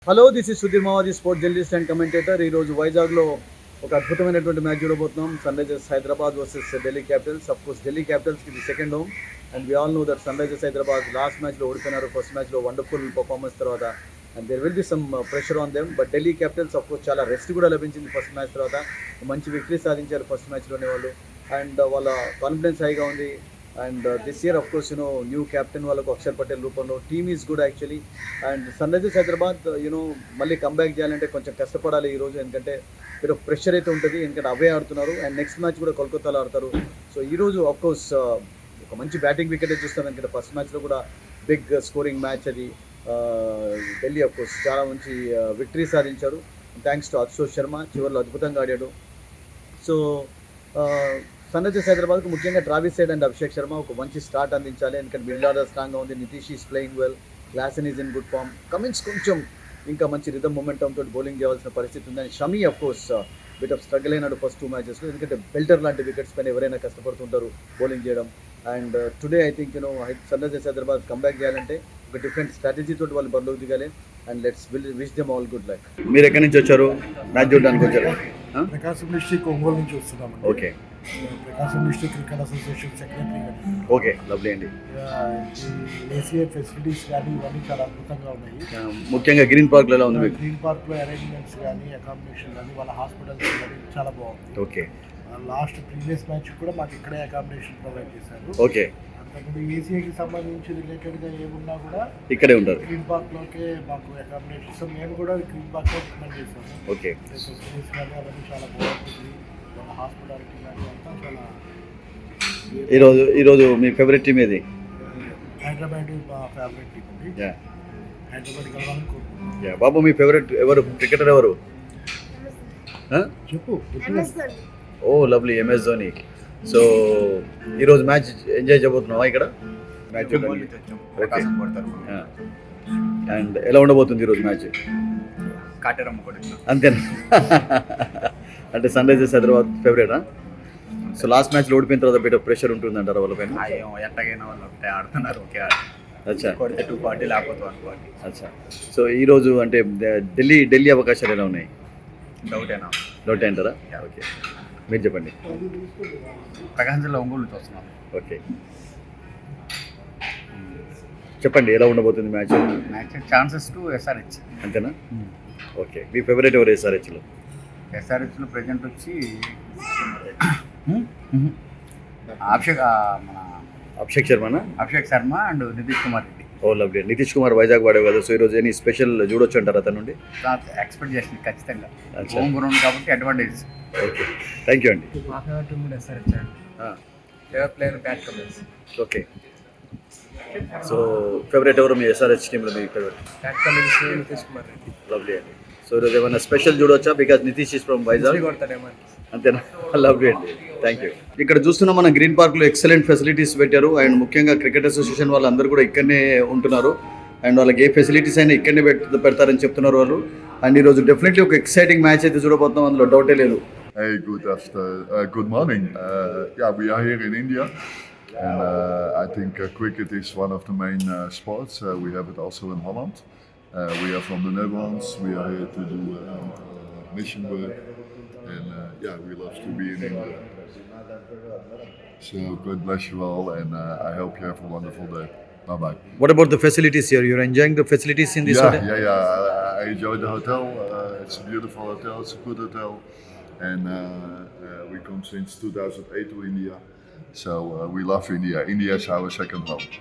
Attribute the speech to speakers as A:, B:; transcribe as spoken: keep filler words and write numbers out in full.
A: Hello, this is Sudheer Mavaji, sport journalist and commentator. ఈరోజు వైజాగ్లో ఒక అద్భుతమైనటువంటి మ్యాచ్ చూడబోతున్నాం. Sunrisers Hyderabad versus Delhi Capitals. Of course Delhi క్యాపిటల్స్కి ఇది second home and we all know that Sunrisers Hyderabad last మ్యాచ్లో ఓడిపోయినారు. ఫస్ట్ మ్యాచ్లో వండర్ఫుల్ పర్ఫార్మెన్స్ తర్వాత and there will be some pressure on them. But Delhi Capitals of course చాలా rest కూడా లభించింది first match తర్వాత. మంచి విక్టరీ సాధించారు ఫస్ట్ మ్యాచ్లోనే వాళ్ళు అండ్ వాళ్ళ కాన్ఫిడెన్స్ హైగా ఉంది. And this year of course you know new captain వాళ్ళకు అక్షర్ పటేల్ రూపంలో team is good actually. And Sunrisers Hyderabad you know మళ్ళీ కంబ్యాక్ చేయాలంటే కొంచెం కష్టపడాలి ఈరోజు, ఎందుకంటే మీరు ప్రెషర్ అయితే ఉంటుంది, ఎందుకంటే అవే ఆడుతున్నారు అండ్ నెక్స్ట్ మ్యాచ్ కూడా కోల్కతాలో ఆడతారు. సో ఈరోజు అఫ్ కోర్స్ ఒక మంచి బ్యాటింగ్ వికెట్ చూస్తాం, ఎందుకంటే ఫస్ట్ మ్యాచ్లో కూడా బిగ్ స్కోరింగ్ మ్యాచ్ అది. ఢిల్లీ అఫ్ కోర్స్ చాలా మంచి విక్టరీ సాధించారు థ్యాంక్స్ టు అశోక్ శర్మ, చివరిలో అద్భుతంగా ఆడాడు. సో సన్ రైజర్స్ హైదరాబాద్కు ముఖ్యంగా Travis Head and Abhishek Sharma ఒక మంచి స్టార్ట్ అందించాలి, ఎందుకంటే మిడిల్ ఆర్డర్ స్ట్రాంగ్గా ఉంది. Nitish is playing well, Klaasen is in good form, Cummins కొంచెం ఇంకా మంచి రిథమ్ మొమెంటమ్ తోటి బౌలింగ్ చేయాల్సిన పరిస్థితి ఉంది. And Shami of course bit of struggle అయినాడు ఫస్ట్ టూ మ్యాచెస్లో, ఎందుకంటే బెల్టర్ లాంటి వికెట్స్ పైన ఎవరైనా కష్టపడుతుంటారు బౌలింగ్ చేయడం. And today I think you know Sunrisers Hyderabad comeback చేయాలంటే ఒక డిఫరెంట్ స్ట్రాటజీ తోటి వాళ్ళు బరిలోకి దిగాలి. And let's wish them all good luck. మీరు ఎక్కడి నుంచి వచ్చారు మ్యాచ్ చూడడానికి వచ్చారు?
B: ప్రకాశం డిస్ట్రిక్ట్ ఒంగోలు నుంచి వస్తున్నాం.
A: Okay,
B: Prakasam district cricket association secretary.
A: Okay, lovely అండి.
B: ఏసీఏ ఫెసిలిటీస్ కానీ ఇవన్నీ చాలా అద్భుతంగా ఉన్నాయి.
A: ముఖ్యంగా గ్రీన్ పార్క్లో ఎలా ఉంది?
B: గ్రీన్ పార్క్లో అరేంజ్మెంట్స్ కానీ అకామిడేషన్ కానీ వాళ్ళ హాస్పిటల్స్ కానీ చాలా బాగుంది.
A: ఓకే,
B: లాస్ట్ ప్రీవియస్ మ్యాచ్ కూడా మాకు ఇక్కడే అకామిడేషన్ ప్రొవైడ్ చేశారు.
A: ఓకే,
B: అంతకుముందు ఏసీఏకి సంబంధించి రిలేటెడ్గా ఏమున్నా కూడా
A: ఇక్కడే ఉంటారు.
B: గ్రీన్ పార్క్లోకే మాకు అకామిడేషన్, సో మేము కూడా గ్రీన్ పార్క్లో రికమెండ్ చేసాము.
A: ఓకే,
B: ఫెసిలిటీస్ కానీ అవన్నీ చాలా బాగుంటుంది. వాళ్ళ హాస్పిటాలిటీ కానీ అంతా చాలా.
A: ఈరోజు ఈరోజు మీ ఫేవరెట్ టీమ్ ఏది?
B: హైదరాబాద్ మా ఫేవరెట్ టీమ్ అండి. హైదరాబాద్ గెలవాలని కోరుకుంటున్నాం.
A: యా బాబు, మీ ఫేవరెట్ ఎవరు, క్రికెటర్ ఎవరు?
B: చెప్పు.
A: Oh lovely, MS Dhoni. So ఈరోజు మ్యాచ్ ఎంజాయ్ చేయబోతున్నావా ఇక్కడ మ్యాచ్? అండ్ ఎలా ఉండబోతుంది ఈరోజు మ్యాచ్? అంతేనా? అంటే సన్ రైజర్స్ హైదరాబాద్ ఫేవరెటా? సో లాస్ట్ మ్యాచ్లో ఓడిపోయిన తర్వాత బిట్ ప్రెషర్ ఉంటుందంటారా వాళ్ళ పైన?
C: ఎట్టగైనా వాళ్ళు ఒకటే ఆడుతున్నారు, ఓకే.
A: అచ్చా,
C: కొడితే టూ ఫార్టీ లేకపోతే వన్ ఫార్టీ.
A: అచ్చా, సో ఈరోజు అంటే ఢిల్లీ ఢిల్లీ అవకాశాలు ఎలా ఉన్నాయి?
C: డౌటేనా?
A: డౌట్ అంటారా? ఓకే, మీరు చెప్పండి.
C: ప్రకాశం జిల్లా ఒంగోలు నుంచి వస్తున్నాం.
A: ఓకే, చెప్పండి ఎలా ఉండబోతుంది match?
C: Match chances to SRH.
A: అంతేనా? ఓకే, మీ ఫేవరెట్ ఎవరు ఎస్ఆర్హెచ్లో?
C: ఎస్ఆర్హెచ్లో ప్రజెంట్ వచ్చి అభిషేక్ మన
A: అభిషేక్ శర్మనా?
C: Abhishek Sharma and Nitish Kumar Reddy.
A: Oh lovely. Nitish Kumar Vizag వాడే కదా, సో ఈరోజు ఎనీ స్పెషల్ చూడొచ్చు అంటారు అతని నుండి?
C: ఎక్స్పెక్ట్ చేసింది ఖచ్చితంగా,
A: అచ్చా.
C: హోమ్ గ్రౌండ్ కాబట్టి అడ్వాంటేజ్.
A: ఓకే, థ్యాంక్ యూ అండి.
B: మా ఫేవరెట్ టీమ్ కూడా ఎస్ఆర్హెచ్ అండి.
C: Favourite player Pat Cummins.
A: Okay, so favourite ఎవరు మీ ఎస్ఆర్హెచ్ టీంలో? మీ favourite
B: Pat Cummins, Nitish Kumar Reddy.
A: Lovely అండి. సో ఈరోజు ఏమైనా స్పెషల్ చూడొచ్చా? Because Nitish is from Vizag. అంతేనా? లవ్లీ అండి, థ్యాంక్ యూ. ఇక్కడ చూస్తున్నాం మన గ్రీన్ పార్క్లో ఎక్సలెంట్ ఫెసిలిటీస్ పెట్టారు అండ్ ముఖ్యంగా క్రికెట్ అసోసియేషన్ వాళ్ళందరూ కూడా ఇక్కడనే ఉంటున్నారు అండ్ వాళ్ళకి ఏ ఫెసిలిటీస్ అయినా ఇక్కడనే పెడతారని చెప్తున్నారు వాళ్ళు. అండ్ ఈరోజు డెఫినెట్లీ ఒక ఎక్సైటింగ్ మ్యాచ్ అయితే చూడబోతున్నాం, అందులో డౌటే లేదు.
D: Hey, good after, uh, good morning. Uh, yeah, we are here in India, and uh, I think uh, cricket is one of the main uh, sports. Uh, we have it also in Holland. Uh, we are from the Netherlands. We are here to do uh, uh, mission work, and uh, yeah, we love to be in India. So God bless you all, and uh, I hope you have a wonderful day. Bye bye.
A: What about the facilities here? You're enjoying the facilities in this
D: Yeah,
A: hotel?
D: yeah, yeah. I, I enjoyed the hotel. Uh, it's a beautiful hotel. It's a good hotel. And uh, uh, we come since two thousand eight to India, so uh, we love India. India is our second home.